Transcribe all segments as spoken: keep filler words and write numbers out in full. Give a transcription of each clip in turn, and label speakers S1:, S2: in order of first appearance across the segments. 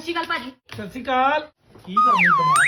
S1: ਸ਼੍ਰੀ ਅਕਾਲ ਭਾਜੀ।
S2: ਸਤਿ ਸ਼੍ਰੀ ਅਕਾਲ। ਕੀ ਕਰਨੀ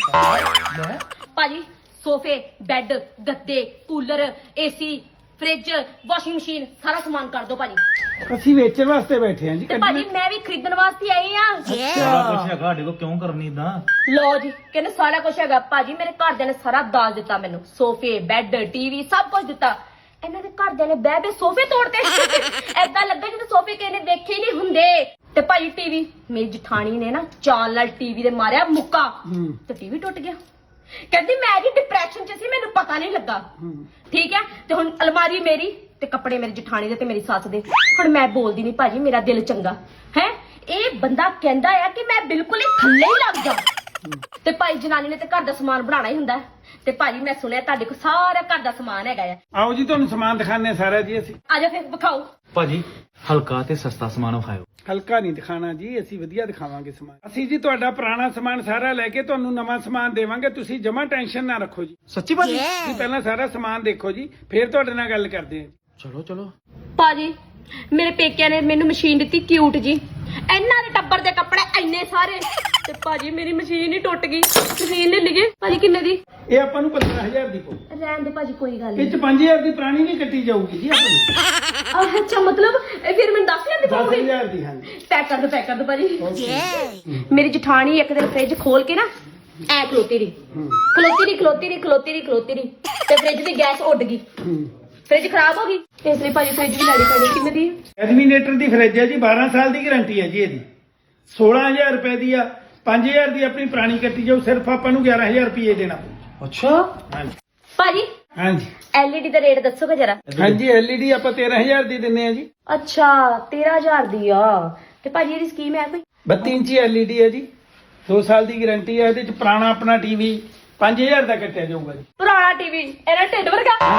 S2: ਦਿਮਾਗ ਲੈ
S1: ਭਾਜੀ ਸੋਫੇ ਬੈੱਡ ਗੱਦੇ cooler AC fridge washing machine ਸਾਰਾ ਸਮਾਨ ਕਰ ਦੋ ਭਾਜੀ।
S2: ਅਸੀਂ ਵੇਚਣ ਵਾਸਤੇ ਬੈਠੇ ਹਾਂ ਜੀ।
S1: ਤੇ ਭਾਜੀ ਮੈਂ ਵੀ ਖਰੀਦਣ ਵਾਸਤੇ ਆਈ ਆ।
S3: ਸਾਰਾ ਕੁਝ ਹੈਗਾ ਸਾਡੇ ਕੋਲ, ਕਿਉਂ ਕਰਨੀ ਇਦਾਂ?
S1: ਲੋ ਜੀ ਕਹਿੰਦੇ ਸਾਰਾ ਕੁਝ ਹੈਗਾ ਭਾਜੀ। ਮੇਰੇ ਘਰਦਿਆਂ ਨੇ ਸਾਰਾ ਦਾਜ ਦਿੱਤਾ ਮੈਨੂੰ, ਸੋਫੇ ਬੈੱਡ ਟੀਵੀ ਸਭ ਕੁਝ ਦਿੱਤਾ। ਇਹਨਾਂ ਦੇ ਘਰਦਿਆਂ ਨੇ ਬਹਿ ਬਹਿ ਸੋਫੇ ਤੋੜਤੇ। ਐਦਾਂ ਲੱਗਾ ਜਿਵੇਂ ਸੋਫੇ ਕਿਸੇ ਨੇ ਦੇਖੇ ਹੀ ਨਹੀਂ ਹੁੰਦੇ। ਤੇ ਭਾਜੀ ਟੀਵੀ ਮੇਰੀ ਜਠਾਣੀ ਨੇ ਨਾ ਚਾਲ ਨਾਲ ਟੀਵੀ ਦੇ ਮਾਰਿਆ ਮੁੱਕਾ ਤੇ ਟੀਵੀ ਟੁੱਟ ਗਿਆ। ਕਹਿੰਦੀ ਮੈਂ ਜੀ ਡਿਪਰੈਸ਼ਨ ਚ ਸੀ, ਮੈਨੂੰ ਪਤਾ ਨਹੀਂ ਲੱਗਾ। ਠੀਕ ਹੈ ਤੇ ਹੁਣ ਅਲਮਾਰੀ ਮੇਰੀ ਤੇ ਕੱਪੜੇ ਮੇਰੀ ਜਠਾਣੀ ਦੇ ਤੇ ਮੇਰੀ ਸੱਸ ਦੇ। ਹੁਣ ਮੈਂ ਬੋਲਦੀ ਨਹੀਂ ਭਾਜੀ, ਮੇਰਾ ਦਿਲ ਚੰਗਾ ਹੈ। ਇਹ ਬੰਦਾ ਕਹਿੰਦਾ ਆ ਕਿ ਮੈਂ ਬਿਲਕੁਲ ਹੀ ਥੱਲੇ ਹੀ ਲੱਗ ਜਾ। ਤੇ ਭਾਈ ਜਨਾਨੀ ਨੇ ਤੇ ਘਰ ਦਾ ਸਮਾਨ ਬਣਾਉਣਾ ਹੀ ਹੁੰਦਾ। ਤੇ ਭਾਜੀ ਮੈਂ ਸੁਣਿਆ ਤੁਹਾਡੇ ਕੋਲ ਸਾਰਾ ਘਰ ਦਾ ਸਮਾਨ ਹੈਗਾ ਆ।
S2: ਆਓ ਜੀ ਤੁਹਾਨੂੰ ਸਮਾਨ ਦਿਖਾਣੇ ਸਾਰਾ ਜੀ। ਅਸੀਂ
S1: ਆਜਾ ਫਿਰ ਵਿਖਾਓ।
S3: ਭਾਜੀ ਹਲਕਾ ਤੇ ਸਸਤਾ ਸਮਾਨ ਵਿਖਾਇਓ।
S2: ਹਲਕਾ ਨਹੀਂ ਦਿਖਾਣਾ ਜੀ, ਅਸੀਂ ਵਧੀਆ ਦਿਖਾਵਾਂਗੇ ਸਮਾਨ। ਅਸੀਂ ਜੀ ਤੁਹਾਡਾ ਪੁਰਾਣਾ ਸਮਾਨ ਸਾਰਾ ਲੈ ਕੇ ਤੁਹਾਨੂੰ ਨਵਾਂ ਸਮਾਨ ਦੇਵਾਂਗੇ। ਤੁਸੀਂ ਜਮਾ ਟੈਨਸ਼ਨ ਨਾ ਰੱਖੋ ਜੀ।
S3: ਸੱਚੀ ਭਾਜੀ?
S2: ਤੁਸੀਂ ਪਹਿਲਾਂ ਸਾਰਾ ਸਮਾਨ ਦੇਖੋ ਜੀ, ਫਿਰ ਤੁਹਾਡੇ ਨਾਲ ਗੱਲ ਕਰਦੇ ਹਾਂ।
S3: ਚਲੋ ਚਲੋ।
S1: ਭਾਜੀ ਮੇਰੇ ਪੇਕਿਆਂ ਨੇ ਮੈਨੂੰ ਮਸ਼ੀਨ ਦਿੱਤੀ ਕਿਊਟ ਜੀ। ਇਹਨਾਂ ਦੇ ਟੱਬਰ ਦੇ ਕੱਪੜੇ ਇੰਨੇ ਸਾਰੇ ਤੇ ਭਾਜੀ ਮੇਰੀ ਮਸ਼ੀਨ ਹੀ ਟੁੱਟ ਗਈ। ਮਸ਼ੀਨ ਲੈ ਲਈਏ ਭਾਜੀ ਕਿੰਨੇ ਦੀ?
S2: ਇਹ ਆਪਾਂ ਨੂੰ ਪੰਦਰਾਂ ਹਜ਼ਾਰ ਦੀ ਪਊ।
S1: ਰਹਿਣ ਦੇ ਭਾਜੀ ਕੋਈ ਗੱਲ
S2: ਇਹ
S1: ਨਹੀਂ।
S2: ਚ ਪੰਜ ਹਜ਼ਾਰ ਦੀ ਪੁਰਾਣੀ ਨਹੀਂ ਕੱਟੀ ਜਾਊਗੀ ਜੀ ਆਪਾਂ ਨੂੰ।
S1: ਅੱਛਾ ਮਤਲਬ ਇਹ ਫਿਰ ਮੈਨੂੰ ਦਸ ਹਜ਼ਾਰ ਦੀ
S2: ਦਸ
S1: ਪਊਗੀ।
S2: ਹਜ਼ਾਰ ਦੀ। ਹਾਂਜੀ
S1: ਪੈਕ ਕਰ ਦੋ ਪੈਕ ਕਰ ਦੋ ਭਾਜੀ। ਮੇਰੀ ਜਠਾਣੀ ਇੱਕ ਦਿਨ ਫ੍ਰਿਜ ਖੋਲ ਕੇ ਨਾ ਐ ਖਲੋਤੀ ਰਹੀ ਖਲੋਤੀ ਰਹੀ ਖਲੋਤੀ ਰਹੀ ਖਲੋਤੀ ਰਹੀ ਖਲੋਤੀ ਰਹੀ ਤੇ ਫ੍ਰਿਜ ਦੀ ਗੈਸ ਉੱਡ ਗਈ। ਫ੍ਰਿਜ ਖਰਾਬ ਹੋ ਗਈ ਇਸ ਲਈ ਭਾਜੀ ਫ੍ਰਿਜ ਵੀ ਲੈਣੀ ਪੈਣੀ। ਕਿੰਨੇ ਦੀ?
S2: ਐਡਮੀਨੇਟਰ ਦੀ ਫਰਿੱਜ ਹੈ ਜੀ, ਬਾਰਾਂ ਸਾਲ ਦੀ ਗਾਰੰਟੀ ਹੈ ਜੀ ਇਹਦੀ। ਸੋਲਾਂ ਹਜ਼ਾਰ ਰੁਪਏ ਦੀ ਆ। ਪੰਜ ਹਜ਼ਾਰ ਦੀ ਆਪਣੀ ਪੁਰਾਣੀ ਕੱਟੀ ਜਾਊ। ਸਿਰਫ ਆਪਾਂ ਨੂੰ ਗਿਆਰਾਂ ਹਜ਼ਾਰ ਰੁਪਏ ਦੇਣਾ ਪਊ।
S3: ਅੱਛਾ
S2: ਹਾਂਜੀ
S1: ਭਾਜੀ
S2: ਹਾਂਜੀ
S1: ਐਲਈਡੀ ਦਾ ਰੇਟ ਦੱਸੋਗੇ ਜਰਾ।
S2: ਹਾਂਜੀ ਐਲਈਡੀ ਆਪਾਂ ਤੇਰਾਂ ਹਜ਼ਾਰ ਦੀ ਦਿੰਨੇ ਆ ਜੀ।
S1: ਅੱਛਾ ਤੇਰਾਂ ਹਜ਼ਾਰ ਦੀ ਆ। ਤੇ ਭਾਜੀ ਇਹਦੀ ਸਕੀਮ ਹੈ ਕੋਈ?
S2: ਬੱਤੀ ਇੰਚੀ ਐਲਈਡੀ ਹੈ ਜੀ, ਦੋ ਸਾਲ ਦੀ ਗਾਰੰਟੀ ਹੈ। ਇਹਦੇ ਚ ਪੁਰਾਣਾ ਆਪਣਾ ਟੀਵੀ ਪੰਜ ਹਜ਼ਾਰ ਦਾ ਕੱਟਿਆ ਜਾਊਗਾ ਜੀ।
S1: ਪੁਰਾਣਾ ਟੀਵੀ ਇਹਦਾ ਢਿੱਡ ਵਰਗਾ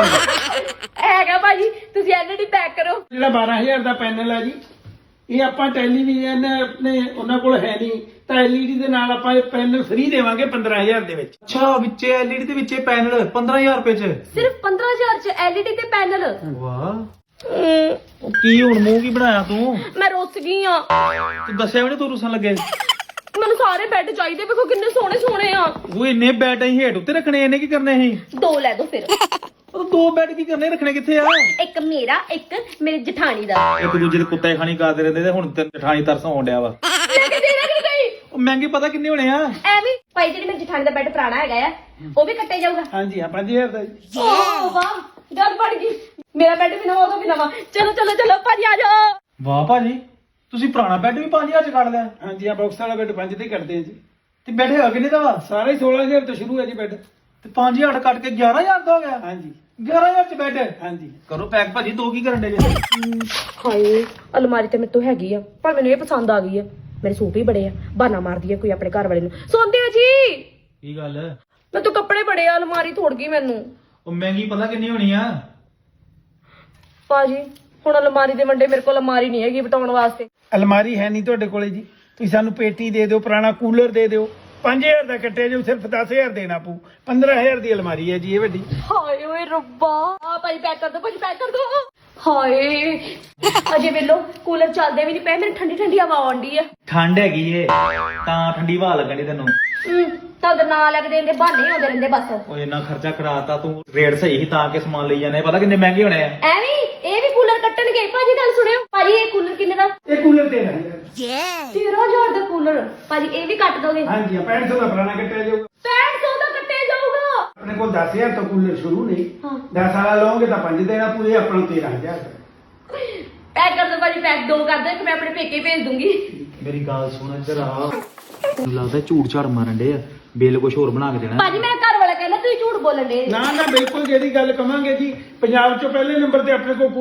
S1: ਹੈਗਾ ਭਾਜੀ। ਤੁਸੀਂ ਐਲਈਡੀ ਪੈਕ ਕਰੋ।
S2: ਜਿਹੜਾ ਬਾਰਾਂ ਹਜ਼ਾਰ ਦਾ ਪੈਨਲ ਹੈ ਜੀ, ਇਹ ਆਪਾਂ ਟੈਲੀਵਿਜ਼ਨ ਆਪਣੇ ਉਹਨਾਂ ਕੋਲ ਹੈ ਨਹੀਂ ਤਾਂ ਐਲਈਡੀ ਦੇ ਨਾਲ ਆਪਾਂ ਇਹ ਪੈਨਲ ਫ੍ਰੀ ਦੇਵਾਂਗੇ ਪੰਦਰਾਂ ਹਜ਼ਾਰ ਦੇ ਵਿੱਚ।
S3: ਅੱਛਾ ਵਿੱਚੇ ਐਲਈਡੀ ਤੇ ਵਿੱਚੇ ਪੈਨਲ ਪੰਦਰਾਂ ਹਜ਼ਾਰ ਰੁਪਏ ਚ?
S1: ਸਿਰਫ ਪੰਦਰਾਂ ਹਜ਼ਾਰ ਚ ਐਲਈਡੀ ਤੇ ਪੈਨਲ।
S3: ਵਾਹ। ਉਹ ਕੀ ਹੁਣ ਮੂੰਹ ਕੀ ਬਣਾਇਆ ਤੂੰ?
S1: ਮੈਂ ਰੁੱਸ ਗਈ ਆ।
S3: ਤੂੰ ਦੱਸਿਆ ਵੀ ਨੀ ਤੂੰ ਰੁੱਸਣ ਲੱਗੇ।
S1: ਮੈਨੂੰ ਸਾਰੇ ਬੈੱਡ ਚਾਹੀਦੇ, ਵੇਖੋ ਕਿੰਨੇ ਸੋਹਣੇ ਸੋਹਣੇ ਆ।
S3: ਉਹ ਇੰਨੇ ਬੈੱਡ ਅਸੀਂ ਹੇਠ ਉੱਤੇ ਰੱਖਣੇ, ਇਹਨੇ ਕੀ ਕਰਨੇ ਸੀ?
S1: ਦੋ ਲੈ ਦੋ ਫਿਰ।
S3: ਉਹ ਦੋ ਬੈੱਡ ਕੀ ਕਰਨੇ, ਰੱਖਣੇ ਕਿੱਥੇ ਆ?
S1: ਇੱਕ ਮੇਰਾ ਇੱਕ ਮੇਰੀ ਜਠਾਣੀ ਦਾ।
S3: ਇੱਕ ਦੂਜੇ ਦੇ ਕੁੱਤੇ ਖਾਣੀ ਕਰਦੇ ਰਹਿੰਦੇ ਤੇ ਹੁਣ ਤੇ ਜਠਾਣੀ ਤਰਸ ਆਉਣ ਡਿਆ ਵਾ।
S1: ਲੈ ਕੇ ਦੇਣਾ ਕਿ ਨਹੀਂ?
S3: ਉਹ ਮਹਿੰਗੇ ਪਤਾ ਕਿੰਨੇ ਹੋਣੇ ਆ?
S1: ਐਵੇਂ ਭਾਈ ਜਿਹੜੀ ਮੇਰੀ ਜਠਾਣੀ ਦਾ ਬੈੱਡ ਪੁਰਾਣਾ ਹੈਗਾ ਆ ਉਹ ਵੀ ਕੱਟਿਆ ਜਾਊਗਾ।
S2: ਹਾਂਜੀ ਹਾਂ ਪੰਜ ਹਜ਼ਾਰ ਦਾ ਜੀ।
S1: ਓ ਵਾਹ ਗੱਲ ਬਣ ਗਈ। ਮੇਰਾ ਬੈੱਡ ਵੀ ਨਵਾਂ ਉਹਦਾ ਵੀ ਨਵਾਂ। ਚਲੋ ਚਲੋ ਚਲੋ ਭਾਜੀ ਆ ਜਾਓ।
S3: ਵਾਹ ਭਾਜੀ ਤੁਸੀਂ ਪੁਰਾਣਾ ਬੈੱਡ ਵੀ ਪੰਜ ਹਜ਼ਾਰ ਚ ਕੱਢ ਲਿਆ।
S2: ਹਾਂਜੀ ਆ ਬਾਕਸ ਵਾਲਾ ਬੈੱਡ ਪੰਜ ਤੇ ਕਰਦੇ ਆ ਜੀ।
S3: ਤੇ ਬੈੱਡ ਹੈਗਾ ਕਿੰਨੇ ਦਾ ਵਾ?
S2: ਸਾਰਾ ਹੀ ਸੋਲਾਂ ਹਜ਼ਾਰ ਤੋਂ ਸ਼ੁਰੂ ਹੈ ਜੀ ਬੈੱਡ।
S3: ਤੇ ਪੰਜ ਹਜ਼ਾਰ ਕੱਟ ਕੇ ਗਿਆਰਾਂ ਹਜ਼ਾਰ ਦਾ ਹੋ ਗਿਆ।
S2: ਹਾਂਜੀ
S3: ਗਿਆਰਾਂ ਹਜ਼ਾਰ ਚ ਬੈੱਡ?
S2: ਹਾਂਜੀ
S3: ਕਰੋ ਪੈਕ ਭਾਜੀ। ਦੋ ਕੀ ਕਰਨ ਡੇ ਜੇ?
S1: ਹਾਏ ਅਲਮਾਰੀ ਤੇ ਮੇਰੇ ਤੋਂ ਹੈਗੀ ਆ ਪਰ ਮੈਨੂੰ ਇਹ ਪਸੰਦ ਆ ਗਈ ਆ। ਮੇਰੇ ਸੂਟ ਵੀ ਬੜੇ ਆ, ਬਹਾਨਾ ਮਾਰਦੀ ਆ ਕੋਈ ਆਪਣੇ ਘਰ ਵਾਲੇ ਨੂੰ। ਸੌਂਦੇ ਹੋ ਜੀ?
S3: ਕੀ ਗੱਲ?
S1: ਮੈਂ ਤੋਂ ਕੱਪੜੇ ਬੜੇ ਆ, ਅਲਮਾਰੀ ਤੋੜ ਗਈ ਮੈਨੂੰ।
S3: ਉਹ ਮਹਿੰਗੀ ਪਤਾ ਕਿੰਨੀ ਹੋਣੀ ਆ?
S1: ਭਾਜੀ ਹੁਣ ਅਲਮਾਰੀ ਦੇ ਵੰਡੇ ਮੇਰੇ ਕੋਲ ਅਲਮਾਰੀ ਨਹੀਂ ਹੈਗੀ ਬਟਾਉਣ ਵਾਸਤੇ।
S2: ਅਲਮਾਰੀ ਹੈ ਨਹੀਂ ਤੁਹਾਡੇ ਕੋਲੇ ਜੀ। ਤੁਸੀਂ ਸਾਨੂੰ ਪੇਟੀ ਦੇ ਦਿਓ, ਪੁਰਾਣਾ ਕੂਲਰ ਦੇ ਦਿਓ। ਪੰਜ ਹਜ਼ਾਰ ਦਾ ਕੱਟਿਆ ਜਾਊ, ਸਿਰਫ ਦਸ ਹਜ਼ਾਰ ਦੇਣਾ ਪਊ। ਪੰਦਰਾਂ ਹਜ਼ਾਰ ਦੀ ਅਲਮਾਰੀ ਹੈ ਜੀ ਇਹ ਵੱਡੀ।
S1: ਹਾਏ ਓਏ ਰੱਬਾ। ਆ ਭਾਈ ਪੈਕ ਕਰ ਦੋ ਭਾਜੀ ਪੈਕ ਕਰ ਦੋ। ਹਾਏ ਅਜੇ ਵੇਲੋ ਕੂਲਰ ਚੱਲਦੇ ਵੀ ਨਹੀਂ ਪਏ, ਮੈਨੂੰ ਠੰਡੀ ਠੰਡੀ ਹਵਾ ਆਉਂਦੀ ਆ।
S3: ਠੰਡ ਹੈਗੀ ਏ ਤਾਂ ਠੰਡੀ ਹਵਾ ਲੱਗਣੀ ਤੈਨੂੰ।
S1: ਹੂੰ ਤਾਂ ਨਾ ਲੱਗਦੇ ਇਹਦੇ ਬਹਾਨੇ ਆਉਂਦੇ ਰਹਿੰਦੇ ਬਸ।
S3: ਉਹ ਇੰਨਾ ਖਰਚਾ ਕਰਾਤਾ ਤੂੰ, ਰੇਟ ਸਹੀ ਸੀ ਤਾਂ ਕਿ ਸਮਾਨ ਲਈ ਜਾਂਦੇ। ਪਤਾ ਕਿੰਨੇ ਮਹਿੰਗੇ ਹੋਣੇ ਆ।
S1: ਐਵੇਂ ਇਹ ਵੀ ਕੂਲਰ ਕੱਟਣਗੇ। ਭਾਜੀ ਗੱਲ ਸੁਣਿਓ ਭਾਜੀ ਇਹ ਕੂਲਰ ਕਿੰਨੇ ਦਾ?
S2: ਇਹ ਕੂਲਰ ਤੇਰਾਂ ਹਜ਼ਾਰ।
S1: ਤੇਰਾਂ ਹਜ਼ਾਰ ਦਾ ਕੂਲਰ ਭਾਜੀ ਇਹ ਵੀ ਕੱਟ ਦੋਗੇ?
S2: ਹਾਂਜੀ ਪੈਂਹਠ ਸੌ ਦਾ ਪੁਰਾਣਾ ਕੱਟਿਆ ਜਾਊਗਾ।
S1: ਪੈਂਹਠ ਸੌ ਦਾ ਕੱਟਿਆ ਜਾਊਗਾ।
S2: ਆਪਣੇ ਕੋਲ ਦਸ ਹਜ਼ਾਰ ਤੋਂ ਕੂਲਰ ਸ਼ੁਰੂ ਨਹੀਂ।
S1: ਹਾਂ
S2: ਦਸ ਵਾਲਾ ਲਓਗੇ ਤਾਂ ਪੰਜ ਦੇਣਾ ਪੂਰੇ, ਆਪਾਂ ਨੂੰ ਤੇਰਾਂ ਹਜ਼ਾਰ ਦਾ।
S1: ਪੈਕ ਕਰ ਦੋ ਭਾਜੀ ਪੈਕ ਦੋ ਕਰ ਦੋ, ਇੱਕ ਮੈਂ ਆਪਣੇ ਪੇਕੇ ਭੇਜ ਦੂੰਗੀ।
S3: ਮੇਰੀ ਗੱਲ ਸੁਣ ਇੱਧਰ ਆ। ਮੈਨੂੰ ਲੱਗਦਾ ਝੂਠ ਝਾੜ ਮਾਰਨ ਡੇ ਆ। ਬਿੱਲ ਕੁਝ ਹੋਰ ਬਣਾ ਕੇ ਦੇਣਾ।
S1: ਭਾਜੀ ਮੇਰਾ ਘਰ ਵਾਲਾ ਕਹਿੰਦਾ ਤੁਸੀਂ ਝੂਠ ਬੋਲਣ ਦੇ।
S2: ਨਾ ਨਾ ਬਿਲਕੁਲ ਜਿਹੜੀ ਗੱਲ ਕਵਾਂਗੇ ਜੀ, ਪੰਜਾਬ ਚੋਂ ਪਹਿਲੇ ਨੰਬਰ ਤੇ ਆਪਣੇ ਕੋਲ